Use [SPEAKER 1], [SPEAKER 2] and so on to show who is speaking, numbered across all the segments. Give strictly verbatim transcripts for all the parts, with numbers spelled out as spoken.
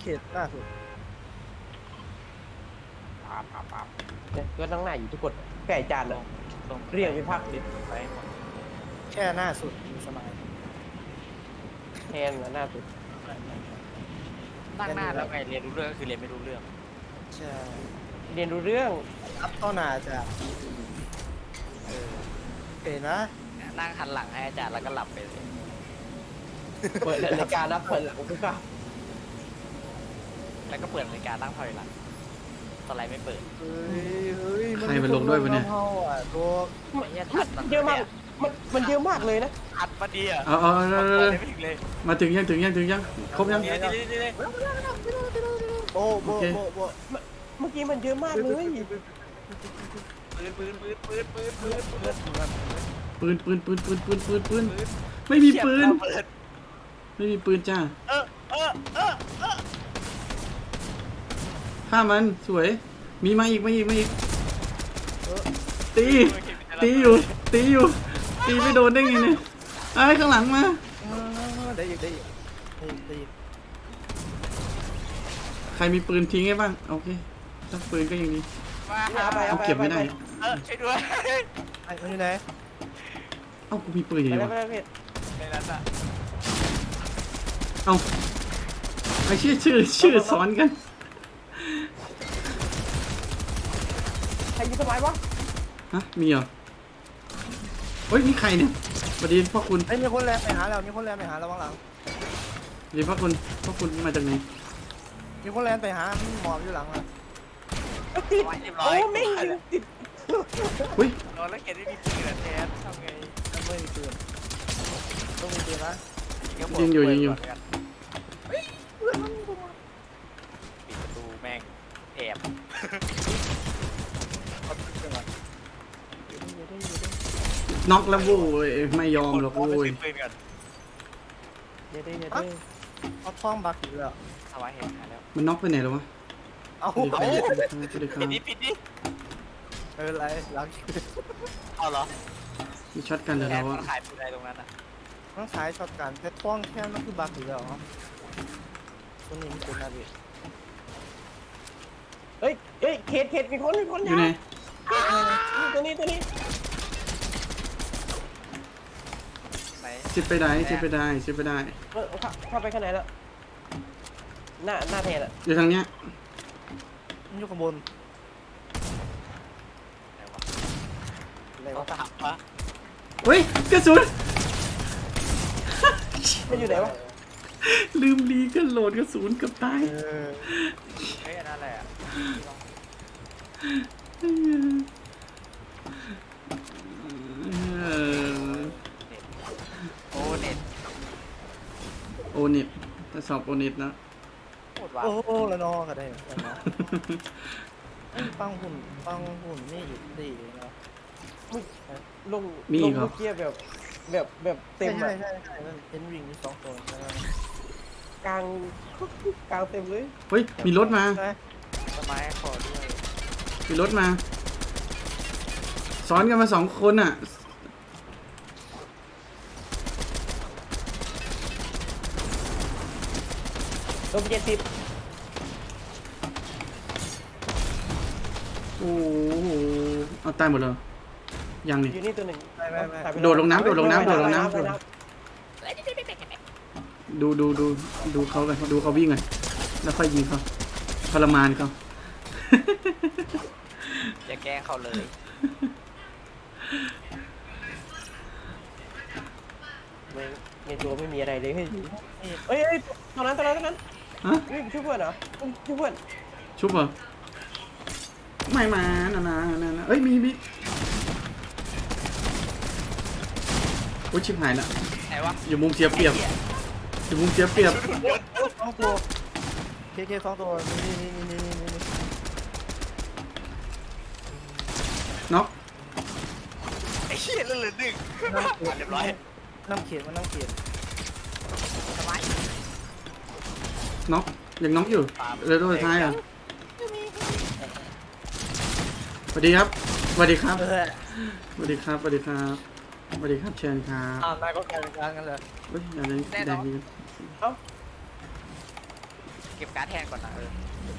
[SPEAKER 1] เขตล่าสุด
[SPEAKER 2] ปั๊บปั๊บปั๊บ
[SPEAKER 3] เนี่ยก็ตั้งหน้าอยู่ทุกคนไก่จาน
[SPEAKER 2] ล
[SPEAKER 3] อ่ะ
[SPEAKER 2] งลง
[SPEAKER 3] เรียกไปพักดิ
[SPEAKER 2] ไปหมด
[SPEAKER 1] แค่หน้าสุดสมัย
[SPEAKER 3] แทนนะหน้าสุด
[SPEAKER 2] นั่งหน้าแล้วไงเรียนรู้เรื่องก็คือเรียนไม่รู้เรื่อง
[SPEAKER 1] ใช่
[SPEAKER 3] เรียนรู้เรื่อง
[SPEAKER 1] อัพเข้าหน้าจาก
[SPEAKER 2] เออ
[SPEAKER 1] เห็นนะ
[SPEAKER 2] นั่งหันหลังให้อาจารย์แล้วก็หลับไปเลย
[SPEAKER 3] เปิดรายการรับเปิดหลังทุกครั้ง
[SPEAKER 2] แล้วก็เปิดรายการตั้งถอยหลังสไลด์ไม่เปิด
[SPEAKER 1] เฮ้ยเฮ้ย
[SPEAKER 4] ใครมันลงด้วยวะเนี่ย
[SPEAKER 1] เข้าอ่ะตัว
[SPEAKER 2] ไม่ใช่ทัดมัน
[SPEAKER 3] เยอะมากมันมันเยอะมากเลยนะ
[SPEAKER 2] อัดมาดีอ่ะ
[SPEAKER 4] เอาเอาเอาเอา
[SPEAKER 2] เปิ
[SPEAKER 4] เอา
[SPEAKER 2] ดไม่ถึงเลย
[SPEAKER 4] มาถึงยังถึงยังถึงยังครบยัง
[SPEAKER 2] นี่นี่นี่นี่
[SPEAKER 1] โอ้โบ
[SPEAKER 4] โอเค
[SPEAKER 1] โบโบ
[SPEAKER 3] เมื่อกี้มันเยอะมากเลย
[SPEAKER 2] ปืนปืนปืนปืนปืนปืนปืน
[SPEAKER 4] ปืนปืนปืนปืนปืนปืนปืนไม่มีปืน
[SPEAKER 2] เปิด
[SPEAKER 4] ไม่มีปืนจ้า
[SPEAKER 2] เออเออเออเออ
[SPEAKER 4] ฆ่ามันสวย มีมาอีกมาอีกมาอีกตี ตีอยู่ ตีอยู่ ตีไม่โดนได้ไงเนี่ยไอ้ยข้างหลังมา
[SPEAKER 1] เออได้อีกได้อีกได้อีกได้อีก
[SPEAKER 4] ใครมีปืนทิ้งให้บ้างโอเคถ้าปืนก็ยังดี
[SPEAKER 2] มา
[SPEAKER 3] เอาไป
[SPEAKER 4] เอาเก็บไม่ได้
[SPEAKER 2] เออช่วยด้วย
[SPEAKER 1] ไอ้มันอยู่ไหน
[SPEAKER 4] เอ้ากูมีปืนอยู่
[SPEAKER 3] ไป
[SPEAKER 4] ดี
[SPEAKER 3] แล้ว
[SPEAKER 4] วะ
[SPEAKER 3] ไปแล้วพี่
[SPEAKER 2] ในนั้นอ่ะ
[SPEAKER 4] เอ้าไอ้ชื่อชื่อชื่อซ้อนกัน
[SPEAKER 3] ใครยิงสมัยวะ
[SPEAKER 4] ฮะมีเหรอเฮ้ยนี่ใครเนี่ยสวัสดีพ่อคุณ
[SPEAKER 1] ไอ้ยมีคนแลนไปหาเรามีคนแลนไปหาเราบ้างหลัง
[SPEAKER 4] สวัสดีพ่อคุณพ่อคุณมาจากไหน
[SPEAKER 1] มีคนแลนไปหาหมอบอยู่หลังอ่ะ
[SPEAKER 3] ติด
[SPEAKER 2] เรียบร้อ
[SPEAKER 3] โอ้
[SPEAKER 2] ย
[SPEAKER 3] ไม่งติด
[SPEAKER 4] เฮ้ย
[SPEAKER 2] นอนแล้วเกดไม่มีปืนอะแทนทำไง
[SPEAKER 1] ไม่มีปืนต้องมีปืนนะ
[SPEAKER 4] ยิงอยู่ยิงอยู่
[SPEAKER 2] ปิดประตูแม่งแอบ
[SPEAKER 1] เอาปืนก่อน
[SPEAKER 4] น็อกแล้วโว้ยไม่ยอมหรอกโว้ย
[SPEAKER 2] ปืนก่อน
[SPEAKER 3] เดี๋ยวได้เดี๋ยวได้
[SPEAKER 1] เอาท้องบักอีกแล้ว
[SPEAKER 2] ทำไมเห็นหาแล้ว
[SPEAKER 4] มันน็อกไปไหนแล้ววะ
[SPEAKER 1] เอา
[SPEAKER 4] สวัสดี
[SPEAKER 1] เอา
[SPEAKER 4] ครับสวัสดีครั
[SPEAKER 2] ปิ
[SPEAKER 4] บ
[SPEAKER 2] ดดิปิดดิ
[SPEAKER 1] ไม่เป็นไรหลัง
[SPEAKER 2] เอาเหรอ
[SPEAKER 4] มีช็อตกันแล้ว
[SPEAKER 2] แทน
[SPEAKER 4] วะ
[SPEAKER 2] มันขายปืนอะไรตรงนั้นอ่ะ
[SPEAKER 1] ต้องขายช็อตกันแต่ท้องแค่มันคือบักอีกแล้วเหรอตัวนี้มันเป็นอะไร
[SPEAKER 3] เฮ้ยเฮ้ยเขตเขตมีคนมีคน
[SPEAKER 4] อยู่ไหน
[SPEAKER 3] ตัวนี้ตัวนี้
[SPEAKER 2] ไหน
[SPEAKER 4] ชิดไปได้ชิดไปได้ชิดไปได้
[SPEAKER 3] เออเข้าเข้าไปข้างในแล้วหน้าหน้าแทนอ่ะ
[SPEAKER 4] อยู่ทางเนี้ย
[SPEAKER 1] มันอยู่ข้างบน
[SPEAKER 2] ไหนวะ
[SPEAKER 1] อะไร
[SPEAKER 2] เขา
[SPEAKER 1] วะ
[SPEAKER 2] ถามปะ
[SPEAKER 4] เฮ้ยกระสุน
[SPEAKER 3] มันอยู่ไหนวะ
[SPEAKER 4] ลืมรีกันโหลดกระสุนเกับตาย
[SPEAKER 1] เออ
[SPEAKER 2] เฮ้ยอันนั้นอะไรอ่ะโอ้เน็ต
[SPEAKER 4] โอเน็ตทดสอบโอเน็ตนะ
[SPEAKER 2] โคตรว้า
[SPEAKER 1] โอ้โหแล้วนอก็ได้แล้วนอฟังหุ่นฟังหุ่นนี่อีกดีเนาะ
[SPEAKER 3] ลงลงเมื่อกี้แบบแบบแบบเต็ม
[SPEAKER 1] ใช่
[SPEAKER 3] อ่ะ
[SPEAKER 1] ใช่ใช่มันเป็นวิ่งมีสองตัวใช่ไหม
[SPEAKER 3] กลางกลางเต็มเลย
[SPEAKER 4] เฮ้ยมีรถมา
[SPEAKER 1] ใช่
[SPEAKER 2] ทำไมขอด้วย
[SPEAKER 4] มีรถมาซ้อนกันมาสองคนอ่ะ
[SPEAKER 3] ลงเจ็ดสิบ
[SPEAKER 4] โอ้โหเอาตายหมดเลยยังนี่
[SPEAKER 3] อยู่นี่ตัวหนึ่ง
[SPEAKER 1] ไม่ไม่ไม่
[SPEAKER 4] โดดลงน้ำโดดลงน้ำโดดลงน้ำ ดูดูดูดูเขากันดูเขาวิ่งกันแล้วค่อยยิงเขาทรมานเขา
[SPEAKER 2] อย่าแกล้งเขาเลย
[SPEAKER 3] ในในตัวไม่มีอะไรเลยเฮ้ยเฮ้ยเฮ้ยตอนนั้นตอนนั้นตอนนั้น
[SPEAKER 4] ฮะ
[SPEAKER 3] เฮ้ยช่วยเพื่อนเหรอช่วยเพื่อน
[SPEAKER 4] ชุบเหรอไม่มานะนะนะนะเอ้ยมีมีโอ้ยชิบหายละ
[SPEAKER 2] ไหนวะ
[SPEAKER 4] อยู่มุมเสียเปรียบอยู่มุมเสียเปรียบ
[SPEAKER 1] สองตัวเคเคสองตัวนี่นี่นี่นี่นี่นี่
[SPEAKER 4] น็อก
[SPEAKER 2] ไอ้เหี้ยเลื่อนหนึ่งเรียบร้อย
[SPEAKER 1] น้ำเขียนมันน้ำเขียน
[SPEAKER 2] ทำไม
[SPEAKER 4] น็อกยังน็อกอยู่เรือตัวสุดท้ายอ่ะสวัสดีครับสวัสดีครับ
[SPEAKER 1] เออ
[SPEAKER 4] สวัสดีครับสวัสดีครับสวัสดีครับเชิญครับ
[SPEAKER 1] อ่านายก็กลายเป็นกลางกันเลย
[SPEAKER 4] เฮ้ยอะไรแดงดี
[SPEAKER 3] เอ้า
[SPEAKER 2] เก็บการ์ดแทนก่อนนะเออ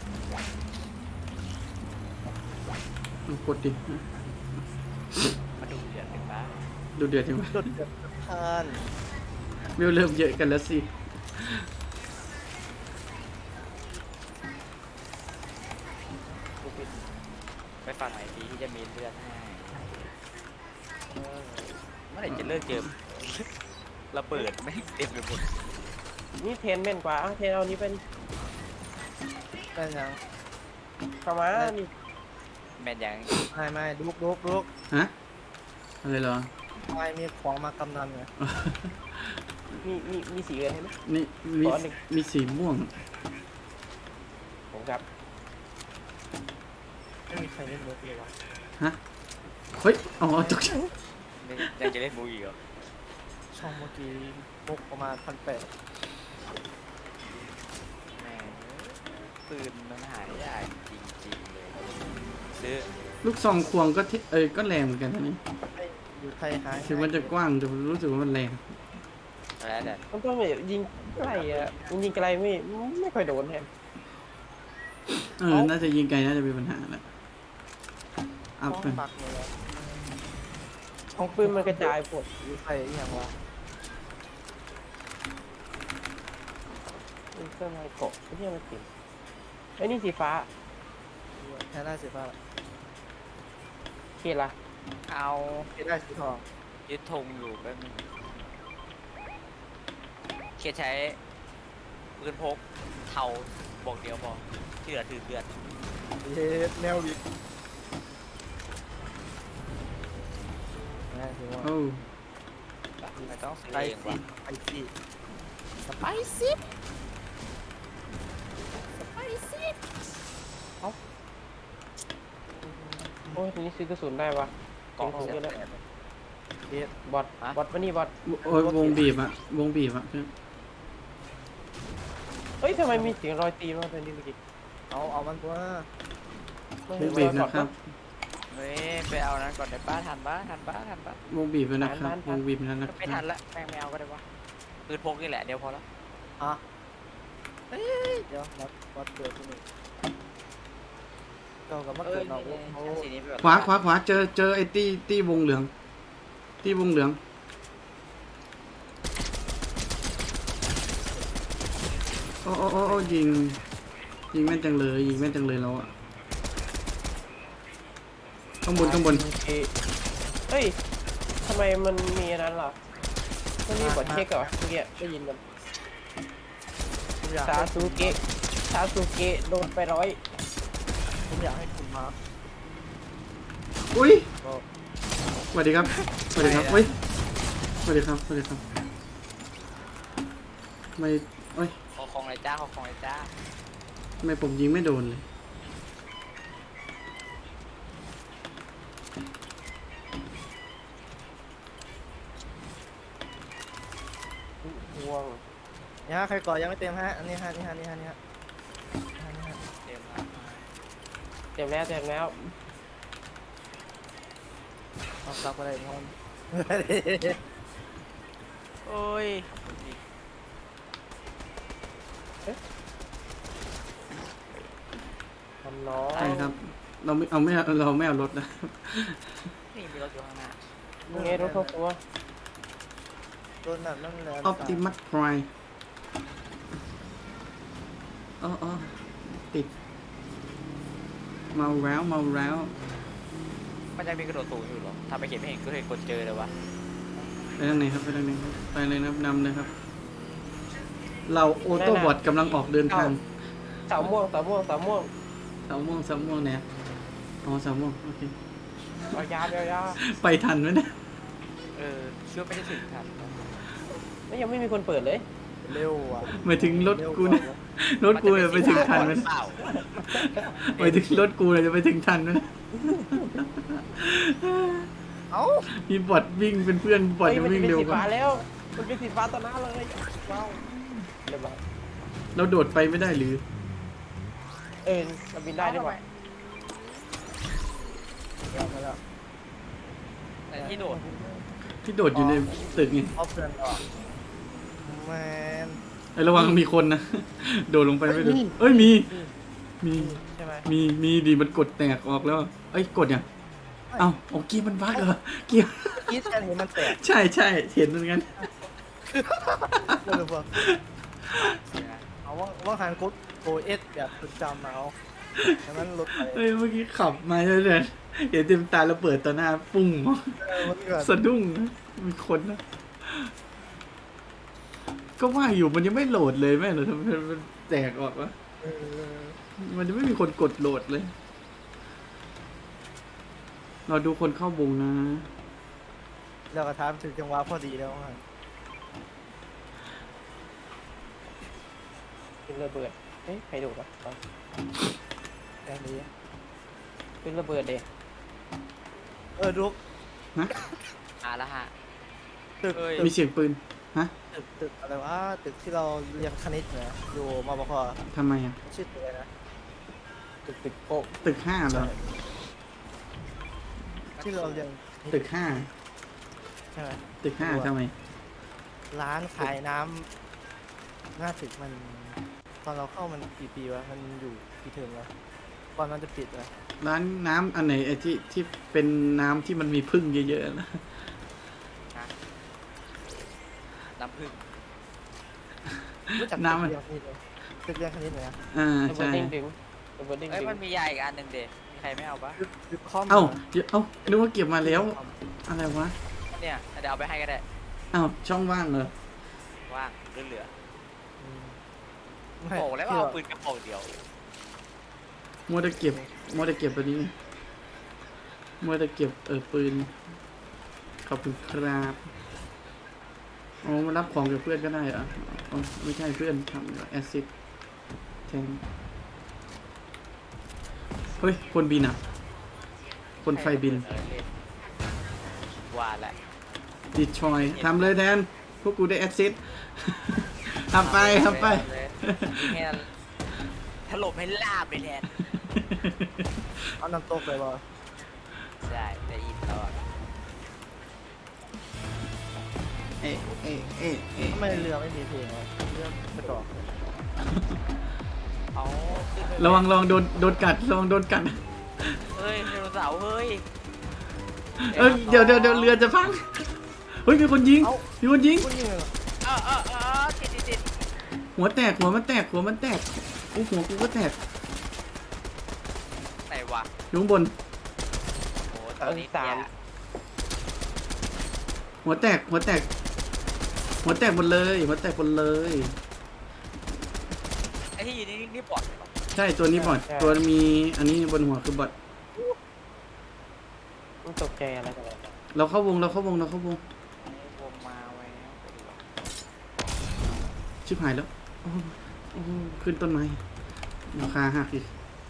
[SPEAKER 4] เอากดดิ
[SPEAKER 2] มาดูเดือดเป็นบ้า
[SPEAKER 4] ดูเดือดจังวะ
[SPEAKER 1] จุดเดือดทาน
[SPEAKER 4] เวลเริ่มเยอะกันแล้วสิ
[SPEAKER 2] ไปฝั่งไหนดีที่จะมีเลือดให้เออเมื่อไหร่จะเลิกเกมระเบิดไม่งเต็มไปหมด
[SPEAKER 3] นี่เทนเม่นกว่าเอาเทนเอานี้เป็น
[SPEAKER 1] ได้ยัง
[SPEAKER 3] เข้ามานี่
[SPEAKER 2] แม่นยัง
[SPEAKER 1] ไม่ไม่ลุกลุกลุก
[SPEAKER 4] ฮะอะไรเหรอ
[SPEAKER 1] ไม่มีของมากำนันไง
[SPEAKER 3] มีมีมีสีอะไรไหม
[SPEAKER 4] นี่มี
[SPEAKER 3] ขอหนึ่ง
[SPEAKER 4] มีสีม่วง
[SPEAKER 3] ผมครับ
[SPEAKER 1] ไม่มีใครเล่นมุกเลยวะ
[SPEAKER 4] ฮะเฮ้ยอ๋อตกใจ
[SPEAKER 2] นี่ยังจะเล่นมูอีกเหรอ
[SPEAKER 1] ช่องเมื่อกี้มุกประมาณพันแปด
[SPEAKER 2] แม่งปืนมันหายยากจริงๆเลยซื้อ
[SPEAKER 4] ลูกซองควงก็ทิเอ้ยก็แรงเหมือนกันนะนี่
[SPEAKER 1] อยู่ไทยหาย
[SPEAKER 4] ถึงมันจะกว้างแต่รู้สึกว่ามันแรง
[SPEAKER 2] แล้วแต่
[SPEAKER 3] มันต้องแบบยิงไกลอ่ะยิงไกลไม่ไม่ค่อยโดนแฮม
[SPEAKER 4] เออน่าจะยิงไกลน่าจะมีปัญหาแหละอัพ
[SPEAKER 1] ช่อง
[SPEAKER 4] กัน
[SPEAKER 1] ปักเลยอะ
[SPEAKER 3] ของปืนมันกระจายปวด
[SPEAKER 1] อยู่ไทยอหย่างวะ
[SPEAKER 3] มันเครื่องไม้เกาะไม่ใช่มันติดไอ้นี่สีฟ้า
[SPEAKER 1] แค่ได้สีฟ้า
[SPEAKER 3] เคละ
[SPEAKER 2] เอา
[SPEAKER 1] แค่ได้สีทอง
[SPEAKER 2] ยึดธงอยู่แป๊บนึงเคใช้ปืนพกเทาบอกเดียวพอที่เหลือถือเลือด
[SPEAKER 1] เย็ดแนววิกนะถือว่า
[SPEAKER 4] โอ้
[SPEAKER 2] ไม่ต้องซื้อ
[SPEAKER 1] ไป
[SPEAKER 2] เอง
[SPEAKER 1] สิ
[SPEAKER 2] ว่ะ
[SPEAKER 1] ไปสิสไปซี่สไปซี่
[SPEAKER 3] โอ้ยทีนี้ซื้อกระสุนได้ปะ
[SPEAKER 2] กล่อง
[SPEAKER 3] ของ
[SPEAKER 2] เสี
[SPEAKER 3] เย
[SPEAKER 2] ย
[SPEAKER 3] อะแล้ว
[SPEAKER 1] เย็ด
[SPEAKER 3] บอทบอทมานี่บอท
[SPEAKER 4] โอ้ยวงบีบอะวงบีบอะเพื่อน
[SPEAKER 3] เฮ้ยทำไมมีเสียงรอยตีนวะตอนนี้เมื่อกี้
[SPEAKER 1] เอาเอามันตัว
[SPEAKER 4] วงบีบนะครับ
[SPEAKER 2] เฮ้ยไปเอานั้นก่อนได้ป้าทันป้าทันป้าทันป้าว
[SPEAKER 4] งบีบแล้วนะครับวงบีบแล้วนะค
[SPEAKER 2] ไม่ทั
[SPEAKER 4] รับ
[SPEAKER 2] นละแม่งไม่เอาก็ได้วะปืนพกนี่แหละเดี๋ยวพอละ
[SPEAKER 1] อ่ะเอ้ยเดี๋ยววัดวัดเกิดที่นี่เก่ากับมา
[SPEAKER 2] เอ้
[SPEAKER 1] เกิ
[SPEAKER 2] ย
[SPEAKER 1] ดนอกวงเขา
[SPEAKER 2] ชั้นสีนี้ไปแบบ
[SPEAKER 4] ขวาขวาขวาเจอเจอไอ้ตี้ตี้วงเหลืองตี้วงเหลืองโอ้โอ้โอ้โอ้ยิงยิงแม่นจังเลยยิงแม่นจังเลยแล้วอะข้างบนข้างบน
[SPEAKER 3] เอ้ยเฮ้ยทำไมมันมีอันนั้นล่ะมันมีบอทเช็คเหรอเมื่อกี้ได้ยินมัน
[SPEAKER 1] ผมอยาก
[SPEAKER 3] ซา
[SPEAKER 1] ให้
[SPEAKER 3] ซูเกะซาซูเกะโดนไปร้อย
[SPEAKER 1] ผมอยากให้คุณมาร์ค
[SPEAKER 4] อุ้ย
[SPEAKER 1] ก็
[SPEAKER 4] สวัสดีครับสวัสดีครับเฮ้ยสวัสดีครับสวัสดีครับไม่เอ้ย
[SPEAKER 2] ขอของเลยจ้าขอของเลยจ้า
[SPEAKER 4] ทำไมผมยิงไม่โดนเลย
[SPEAKER 3] ห่วง
[SPEAKER 1] เนี่ยใครก่อยังไม่เต็มฮะอันนี้ฮะนี่ฮะนี่ฮะนี่ฮะอันนี้ฮะ
[SPEAKER 2] เต็มละ
[SPEAKER 3] เต็มแล้วเต็มแล้ว
[SPEAKER 1] เอาซักไปเลยงอน
[SPEAKER 2] โอ้ย
[SPEAKER 3] ทำน้อง
[SPEAKER 4] ใช่ครับ เราไม่เอาไม่เอาเราไม่เอารถนะ
[SPEAKER 2] นี่มีรถอยู่ข้างหน้า
[SPEAKER 3] มึงไงรถเข้าตัว
[SPEAKER 1] ตัวนั้นนั่นแหละ
[SPEAKER 4] ออปติมัสไพรอ๋ออ๋อติดเมาแล้วเมาแล้ว
[SPEAKER 2] มันยังมีกระโดดสูงอยู่เหรอทำไปเขียนไม่เห็นก็เห็นกดเจอเลยวะ
[SPEAKER 4] ไปทางไหนครับไปทางไหนครับไปเลยนะครับนำเลยครับ เราโอโต้บอทกำลังออกเดินทาง
[SPEAKER 3] เสาม่วงเสาม่วงเสาม่วง
[SPEAKER 4] สามโมงสามโมงเนี่ยอ๋อสามโมงโอเค
[SPEAKER 3] เอายาเอายา
[SPEAKER 4] ไปทันไหมเนี่ย
[SPEAKER 2] เออเชื่อไม่ได้ถึงทัน
[SPEAKER 3] แล้วยังไม่มีคนเปิดเลย
[SPEAKER 1] เร็วอ่ะ
[SPEAKER 4] หมายถึงรถกูเนี่ยรถกูเนี่ยไปถึงทันไหม
[SPEAKER 2] เปล่า
[SPEAKER 4] หมายถึงรถกูเนี่ยจะไปถึงทันไหม
[SPEAKER 1] เอ้า
[SPEAKER 4] มีบอทวิ่งเป็นเพื่อนบอท
[SPEAKER 3] เฮ้ย
[SPEAKER 4] จะ
[SPEAKER 3] มัน
[SPEAKER 4] วิ่ง
[SPEAKER 3] เป็น
[SPEAKER 4] เร็ว
[SPEAKER 3] สี
[SPEAKER 4] กว่า
[SPEAKER 3] ฟ้าแล้วมันเป็นสีฟ้าต่อหน้าเลยว้าวเรียบร้อย
[SPEAKER 4] เราโดดไปไม่ได้หรือ
[SPEAKER 3] เออเราบินได้ด้วยวะ
[SPEAKER 1] เดี๋ยวมาแล้ว
[SPEAKER 2] แต่ที่โดด
[SPEAKER 4] ที่โดดอยู่ในตึกไง
[SPEAKER 1] เอาเพื่อนก่อนแมน
[SPEAKER 4] ไอ้ระวังมีคนนะ โดดลงไปไม่ดูเอ้ยมี มี
[SPEAKER 1] ใช่ไหม
[SPEAKER 4] มี มีดีมันกดแตกออกแล้ว เอ้ยกดยังเอ้าโอ้กีมันบั๊กเหรอกี
[SPEAKER 1] คิดแค่นี้มันแตก
[SPEAKER 4] ใช่ใช่เห็นเหมือนกัน
[SPEAKER 1] เลยพวกเอาว่าว่าหันกุ๊ดโอเอสแบบประจำเอาดังนั้นรถไป
[SPEAKER 4] เอ้ยเมื่อกี้ขับมาเฉยๆเห็นเต็มตาแล้วเปิดต่อหน้าปุ้ง
[SPEAKER 1] เออมันเกิด
[SPEAKER 4] สะดุ้งนะมีคนนะ ก็ว่าอยู่มันยังไม่โหลดเลยแม่เหรอทำไมมันแตกออกวะ
[SPEAKER 1] เออ
[SPEAKER 4] มันยังไม่มีคนกดโหลดเลย เราดูคนเข้าวงนะ
[SPEAKER 1] แล้วก็ทำถึงจังหวะพอดีแล้วฮะ
[SPEAKER 3] ขึ้นระเบิดเฮ้ยใครดูปะเอา
[SPEAKER 1] แค่นี้
[SPEAKER 3] ขึ้นระเบิดเด็
[SPEAKER 1] เออลุก
[SPEAKER 4] ฮะ
[SPEAKER 2] อ่ะแล้วฮะ
[SPEAKER 1] ตึก
[SPEAKER 2] เอ้ย
[SPEAKER 1] ตึ
[SPEAKER 4] มี
[SPEAKER 1] ก
[SPEAKER 4] เสียงปืน ฮะ
[SPEAKER 1] ตึกตึกอะไรวะตึกที่เราเรียนคณิตเนี่ยอยู่มบค
[SPEAKER 4] ทำไมอ่ะ
[SPEAKER 1] ชื่อตึกอะไรนะ
[SPEAKER 3] ตึกตึกโป๊ะ
[SPEAKER 4] ตึกห้าเหรอ
[SPEAKER 1] ที่เราเรียน
[SPEAKER 4] ตึกห้า
[SPEAKER 1] ใช่ไหม
[SPEAKER 4] ตึกห้าทำไม
[SPEAKER 1] ร้านขายน้ำหน้าตึกมัน ตอนเราเข้ามันกี่ปีวะมันอยู่กี่เทอมแล้วก่อนมันจะปิดเลย
[SPEAKER 4] ร้านน้ำอันไหนไอ้ที่ที่เป็นน้ำที่มันมีพึ่งเยอะๆนะ
[SPEAKER 2] น้ำผึ้ง
[SPEAKER 1] รู้จัก
[SPEAKER 4] น้ำมัน
[SPEAKER 1] ตึกเรียนคณิตตึกเรียนคณิตไหมอะ
[SPEAKER 4] อ่า
[SPEAKER 3] ระเบิ
[SPEAKER 4] ใช่
[SPEAKER 3] ดดิ้งดึงระเบิดดิ้ง
[SPEAKER 2] เอ้ย
[SPEAKER 3] ดึง
[SPEAKER 2] มันมียาอีกอันหนึ่งเด็มีใครไม่เอาปะ
[SPEAKER 1] ตึกตึกคอม
[SPEAKER 4] เอ้าเดี๋ยวเอ้านึกว่าเก็บมาแล้ว อะไรวะ
[SPEAKER 2] เนี่ยเดี๋ยวเอาไปให้ก็ได้
[SPEAKER 4] เอ้าช่องว่างเหรอ
[SPEAKER 2] ว่างเหลือ
[SPEAKER 1] อืม
[SPEAKER 2] ๆ
[SPEAKER 1] ไม่
[SPEAKER 2] โอ้แล้วเอาปืนกระบอกเดียว
[SPEAKER 4] มัวแต่เก็บมัวแต่เก็บตัวนี้มัวแต่เก็บเออปืน ขอบคุณครับอ๋อมารับของกับเพื่อนก็ได้เหรออ๋อไม่ใช่เพื่อนทำแอซิดแทนเฮ้ย คนบินอ่ะ คนไฟบิน
[SPEAKER 2] เออเล่นว่าแหละ
[SPEAKER 4] ดิชอยทำเลยแทน พวกกูได้แอซิด ทำไปทำไป
[SPEAKER 2] ยิงให้ถล่มให้ลาบไปแทน
[SPEAKER 1] เอาน้ำตกเลยบอ
[SPEAKER 2] ได้ได้ยินแล้วอะ
[SPEAKER 4] เอ๊ะเอ๊ะเอ๊ะเอ๊ะ
[SPEAKER 1] ทำไมเรือไม่มีเพลงวะเรือไปต่อ
[SPEAKER 2] เอาขึ้นไป
[SPEAKER 4] ระวังระวังโดนโดนกัดระวังโดนกัด
[SPEAKER 2] เฮ้ยไดโนเสาร์เฮ้ย
[SPEAKER 4] เอ้ยเดี๋ยวเดี๋ยวเดี๋ยวเรือจะพัง เฮ้ยมีคนยิง มีคนยิง
[SPEAKER 1] พูดยิงเลยเหรอ
[SPEAKER 2] เออเออเออติดติดติด
[SPEAKER 4] หัวแตกหัวมันแตกหัวมันแตกอู้หัวกูก็แตก
[SPEAKER 2] ไหนวะ
[SPEAKER 4] อยู่ข้างบน
[SPEAKER 2] โอ้ตัวนี้สาม
[SPEAKER 4] หัวแตกหัวแตก หัวแตกหมดเลย หัวแตกหมดเลย
[SPEAKER 2] ไอ้ที่นี่นี่บอดเหรอ
[SPEAKER 4] ใช่ตัวนี้บอดตัวมีอันนี้บนหัวคือบอด
[SPEAKER 3] มันตกใจอะไรกันเนี่ย
[SPEAKER 4] เราเข้าวงเราเข้าวงเราเข้าวง
[SPEAKER 2] วงมาแวว
[SPEAKER 4] ชิบหายแล้วโอ้โหโอ้โหขึ้นต้นไม้ราคาหักอีก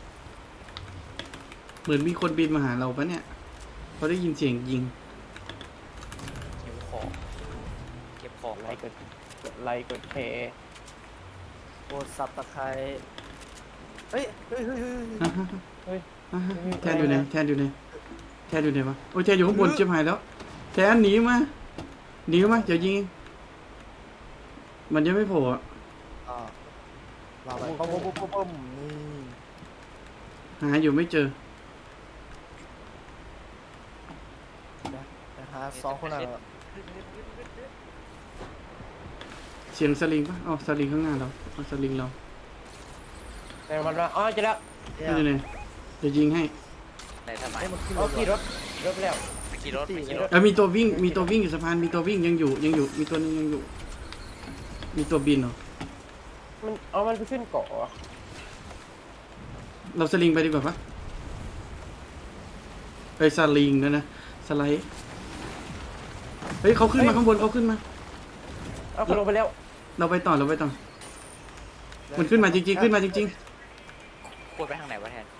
[SPEAKER 4] เหมือนมีคนบินมาหาเราปะเนี่ยเขาได้ยินเสียงยิง
[SPEAKER 2] เก็บของเก็บของ
[SPEAKER 3] ไล
[SPEAKER 2] ไว้
[SPEAKER 3] ค์กดกดไลค์กดแชร์
[SPEAKER 1] โบดสับตะไคร้เฮ้ยเฮ้ยเฮ้ยเฮ้ยเฮ้ย
[SPEAKER 3] เฮ้ย
[SPEAKER 4] แทนอยู่ไหนแทนอยู่ไหนแทนอยู่ไหนวะโอ้ยแทนอยู่ข้างบนชิบหายแล้วแทนหนีมาหนีมาเดี๋ยวยิงมันยังไม่โผล่อะ
[SPEAKER 1] อ่าเราไปปุ๊บปุ๊บปุ๊บปุ๊บนี่
[SPEAKER 4] หาอยู่ไม่เจอ
[SPEAKER 1] นะฮะสองคนอ่ะ
[SPEAKER 4] เสียงสลิงปะอ๋อสลิงข้างหน้าเราเอาสลิงเรา
[SPEAKER 3] แต่มันว่าอ๋อเจะแล้ว
[SPEAKER 1] เนี่ย
[SPEAKER 4] ไม่อยู่ไหนเดี๋ยวยิงให้
[SPEAKER 2] ไหนทำไม
[SPEAKER 1] ให้มันขึ้น
[SPEAKER 3] เอาขี่
[SPEAKER 1] ร
[SPEAKER 3] ร
[SPEAKER 1] ถ
[SPEAKER 3] ถรถไปแล้ว
[SPEAKER 2] ไปขี่รถไปขี่รถ
[SPEAKER 4] เออมีตัววิ่งมีตัววิ่งอยู่สะพานมีตัววิ่งยังอยู่ยังอยู่มีตัวนึงยังอยู่ มีตัวบินเหรอ
[SPEAKER 3] มันเอามันไปขึ้นเกาะเหรอ
[SPEAKER 4] เราสลิงไปดีกว่าปะไปสลิงนะนะสไลด์เฮ้ยเขาขึ้นมาข้างบนเขาขึ้นมา
[SPEAKER 3] เอาเขาลงไปแล้ว
[SPEAKER 4] เราไปต่อเราไปต่อ มันขึ้นมาจริงๆขึ้นมาจริง
[SPEAKER 2] ควรไปทางไหนวะแทน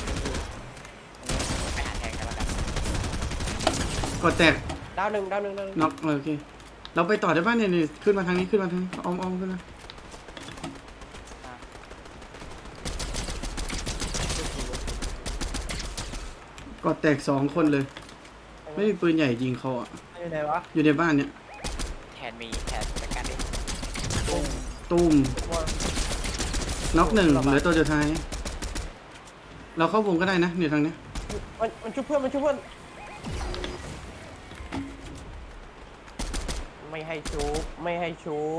[SPEAKER 2] ไปหาแทนกันแล้วกัน
[SPEAKER 4] ๆกดแตก
[SPEAKER 3] ดาวหนึ่งดาวหนึ่งดาวหนึ่ง
[SPEAKER 4] น็อกเออโอเค เราไปต่อได้ป่ะเนี่ยนี่ขึ้นมาทางนี้ขึ้นมาทางนี้อ้อมอ้อมขึ้นมา กดแตกสองคนเลย ไม่มีปืนใหญ่ยิงเขาอ่ะ
[SPEAKER 1] อยู่ไหนวะ
[SPEAKER 4] อยู่ในบ้านเนี่ย
[SPEAKER 2] แทนมีแทนจัดการดิ
[SPEAKER 1] ปุ้ง
[SPEAKER 4] ตุ้ม
[SPEAKER 1] ว่า
[SPEAKER 4] น็อกหนึ่งเหลือตัวสุดท้าย เราเข้าวงก็ได้นะเนี่ยทางเนี้ย
[SPEAKER 3] มันมันชุบเพื่อนมันชุบเพื่อนไม่ให้ชุบไม่ให้ชุบ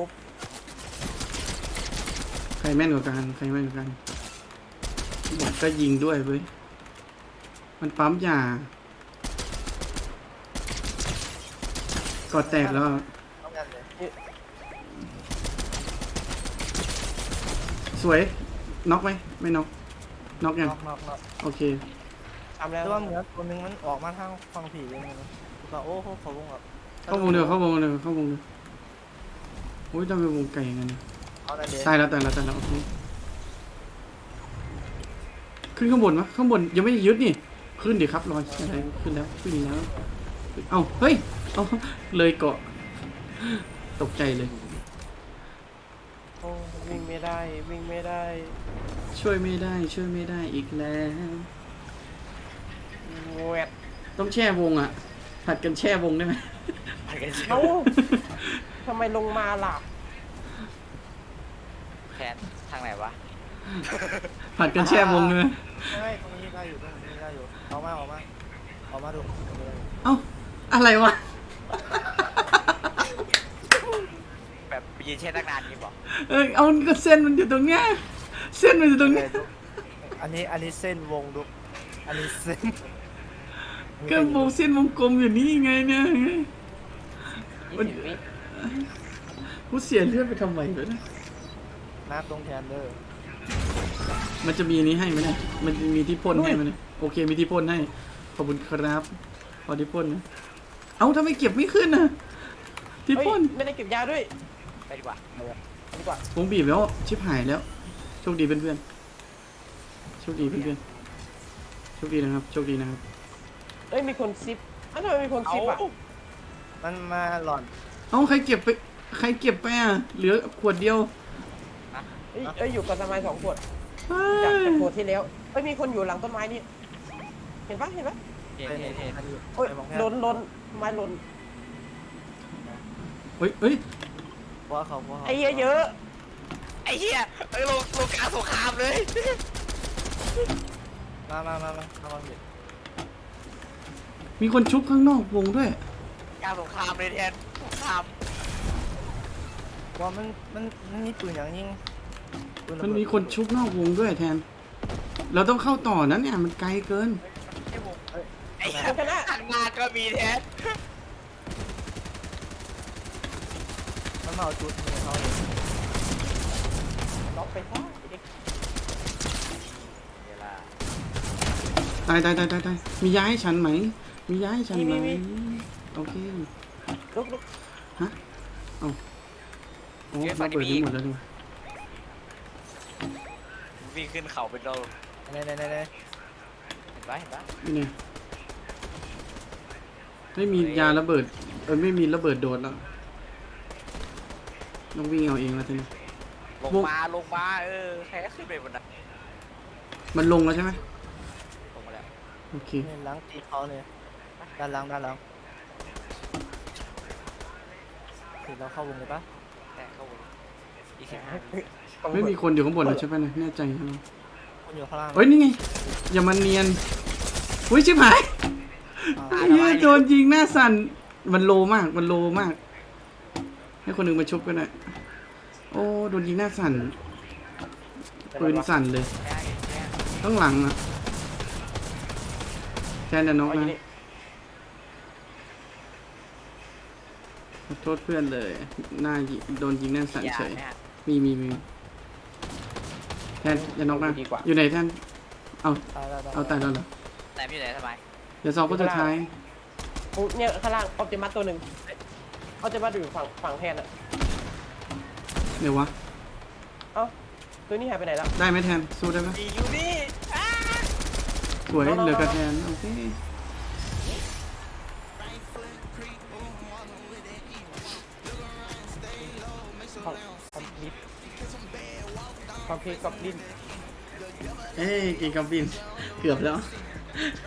[SPEAKER 4] ใครแม่นกว่ากันใครแม่นกว่ากันบอดก็ยิงด้วยเว้ยมันปั๊มยากอดแตกแล้ว
[SPEAKER 1] ต้องกันเลย
[SPEAKER 4] สวยน็อกไหมไม่น็อกน็อกยัง
[SPEAKER 1] นอกนอกนอก
[SPEAKER 4] โอเค
[SPEAKER 3] ทำแล้ว
[SPEAKER 1] แต่ว่าเหมือนตัวหนึงมันออกมาทางฝั่งผีเลยนะก็โอ้โหเขาวงแบบ
[SPEAKER 4] เข้าวงเดียวเข้าวงเดียวเข้าวงเดียวโอ้ยทำไมวงไก่อย่างนั้นเนี่ย
[SPEAKER 1] เอาได้เดี๋ยว
[SPEAKER 4] ตายแล้วตายแล้วตายแล้วโอเคขึ้นข้างบนวะข้างบนยังไม่ได้ยึดนี่ขึ้นดิครับรอยอะไรขึ้นแล้วขึ้นแล้วเอ้าเฮ้ยเอ้าเลยเกาะตกใจเลย
[SPEAKER 3] โอ้วิ่งไม่ได้วิ่งไม่ได้
[SPEAKER 4] ช่วยไม่ได้ช่วยไม่ได้อีกแล้ว
[SPEAKER 3] แหวด
[SPEAKER 4] ต้องแช่วงอ่ะผัดกันแช่วงได้ไหม
[SPEAKER 2] ไปกันเชีย
[SPEAKER 3] เอ้าว ทำไมลงมาล่ะ
[SPEAKER 2] แคนทางไหนวะ
[SPEAKER 4] ผัดกันแช่วงเลย
[SPEAKER 1] ไม่ตรงนี้ได้อยู่ตรงนี้ได้อยู่เอามาเอามาเอามาดู
[SPEAKER 4] เอ้าอะไรวะ
[SPEAKER 2] แบบยืนเช่นตั้งนานนี้บอก
[SPEAKER 4] เออเอาก็เส้นมันอยู่ตรงเนี้ยเส้นมันอยู่ตรงเนี้ย
[SPEAKER 1] อันนี้อันนี้เส้นวงดูอันนี้เส้น
[SPEAKER 4] ก็วงเส้นวงกลมอยู่นี่ไงเนี่ย
[SPEAKER 3] ยี่สิบวิ
[SPEAKER 4] กูเสียเลือดไปทำไมวะเนี่ย
[SPEAKER 1] น้ำตรงแทนเดอร์
[SPEAKER 4] มันจะมีอันนี้ให้ไหมเนี่ยมันจะมีที่พ่นให้ไหมเนี่ยโอเคมีที่พ่นให้ขอบคุณครับพอที่พ่นนะเอ้าทำไมเก็บไม่ขึ้นนะที่
[SPEAKER 3] เฮ้ย
[SPEAKER 4] พ่น
[SPEAKER 3] ไม่ได้เก็บยาด้วย
[SPEAKER 2] ไปดีกว่า
[SPEAKER 3] ดีกว่า
[SPEAKER 4] วงบีบแล้วชิบหายแล้วโชคดีเพื่อนๆโชคดีเพื่อนๆโชคดีนะครับโชคดีนะครับ
[SPEAKER 3] เอ้ยมีคนซิปอ้าวทำไมมีคนซิปอ่ะ
[SPEAKER 1] มันมาหล่อน
[SPEAKER 4] เอ้าใครเก็บไปใครเก็บไปอ่ะเหลือขวดเดียว
[SPEAKER 3] เอ้ยเอ้ยอยู่กับสมัยสองขวด
[SPEAKER 4] เฮ้
[SPEAKER 3] จาก
[SPEAKER 4] ย
[SPEAKER 3] จากขวดที่แล้วเอ้ยมีคนอยู่หลังต้นไม้นี่เห็นปะเห็นปะ
[SPEAKER 2] เห็น
[SPEAKER 1] ไป
[SPEAKER 2] เห็นเห็น
[SPEAKER 3] โอ้ยหล่นหล่นไม้หล่น
[SPEAKER 4] เฮ้ยเฮ้ย
[SPEAKER 1] เพราะเขาเพราะเขา
[SPEAKER 3] ไอ้เหี้ยเยอะ
[SPEAKER 2] ไอ้เหี้ยเอ้ยลงลงกลางสงครามเลย
[SPEAKER 1] มามามามาเอามาเห็น
[SPEAKER 4] มีคนชุบข้างนอกวงด้วย
[SPEAKER 2] กลางสงครามเลยแทนสงคราม
[SPEAKER 1] ว่ามันมันมันมีปืนอย่างยิงปืระเบิด
[SPEAKER 4] มันมีคนชุบนอกวงด้วยแทน เราต้องเข้าต่อนั้นเนี่ยมันไกลเกิน
[SPEAKER 2] ไอ้วง
[SPEAKER 1] เอ้ย
[SPEAKER 2] ไอ้เหี้ยทางหน้าก็มีแทน
[SPEAKER 1] มันมาเอาจุดมือเขาเลย
[SPEAKER 3] ล็อกไปซะไอ้เด็ก
[SPEAKER 2] เวลา
[SPEAKER 4] ตายตายตายตายตายมีย้ายฉันไหม มีย้ายฉันไหมโอเค
[SPEAKER 3] ลุกลุก
[SPEAKER 4] โอ้ระเบิดไปหมดแล้วด้วย
[SPEAKER 2] วิ่งขึ้นเขาเป็นโด
[SPEAKER 1] ไหนไหนไหนไหน
[SPEAKER 2] เห็นปะเห็นปะ
[SPEAKER 4] นี่ไงไม่มียาระเบิดเออไม่มีระเบิดโดดแล้วต้องวิ่งเอาเองแล้วทีนี้
[SPEAKER 2] ลงมาลงมาเออใครก็ขึ้นไปบนนั้น
[SPEAKER 4] มันลงแล้วใช่ไหม
[SPEAKER 2] ลงมาแล้ว
[SPEAKER 4] โอเค
[SPEAKER 1] เนี่ยหลังตีเขาเลยด้านหลังด้านหลังถึงเราเข้าวงเลยปะ
[SPEAKER 2] แต่เข้าวงอีกสิบห้า
[SPEAKER 4] ไม่มีคนอยู่ข้างบนแล้วใช่ไหมเนี่ยแน่ใจใช่ไหม
[SPEAKER 1] คนอยู่ข้างล่าง
[SPEAKER 4] เฮ้ยนี่ไงอย่ามาเนียนอุ้ยชิบหาย
[SPEAKER 1] อ่า
[SPEAKER 4] ไอ้เหี้ยโดนยิงหน้าสั่นมันโลมากมันโลมาก ให้คนหนึ่งมาชุบกันหน่อยโอ้โดนยิงหน้าสั่นปืนสั่นเลย
[SPEAKER 2] แค่แค่
[SPEAKER 4] ข้างหลังอ่ะแทนแต่น้อง
[SPEAKER 3] เอาอยู่
[SPEAKER 4] นะ
[SPEAKER 3] นี่
[SPEAKER 4] ขอโทษเพื่อนเลย หน้ายิโดนยิงหน้าสั่น
[SPEAKER 2] อย่า
[SPEAKER 4] เฉย
[SPEAKER 2] เนี่ย
[SPEAKER 4] มีมีมีแทนอย่าน้องนะ
[SPEAKER 3] ดีกว่า
[SPEAKER 4] อยู่ไหนแทนเอา
[SPEAKER 1] ตายแล้ว
[SPEAKER 4] เอาตายแล้วเหรอ
[SPEAKER 2] แต่ไม่อยู่ไหนทำไม
[SPEAKER 4] เดี๋ยวสอบก็สุดท้าย
[SPEAKER 3] ปุ๊บเนี่ยข้างล่างออปติมัสตัวหนึ่งออปติมัสอยู่ฝั่งฝั่งแทนอ่ะ
[SPEAKER 4] เดี๋ยววะ
[SPEAKER 3] เอ้าตัวนี้หายไปไหนแล้ว
[SPEAKER 4] ได้ไหมแทนสู้ได้ไหม
[SPEAKER 2] มีอยู่นี่อ้า
[SPEAKER 4] สวยเหลือกระแทนโอเค
[SPEAKER 3] คอมคอมพิวคอมพิวกับดิน
[SPEAKER 4] เอ้ยกินกับบินเกือบแล้ว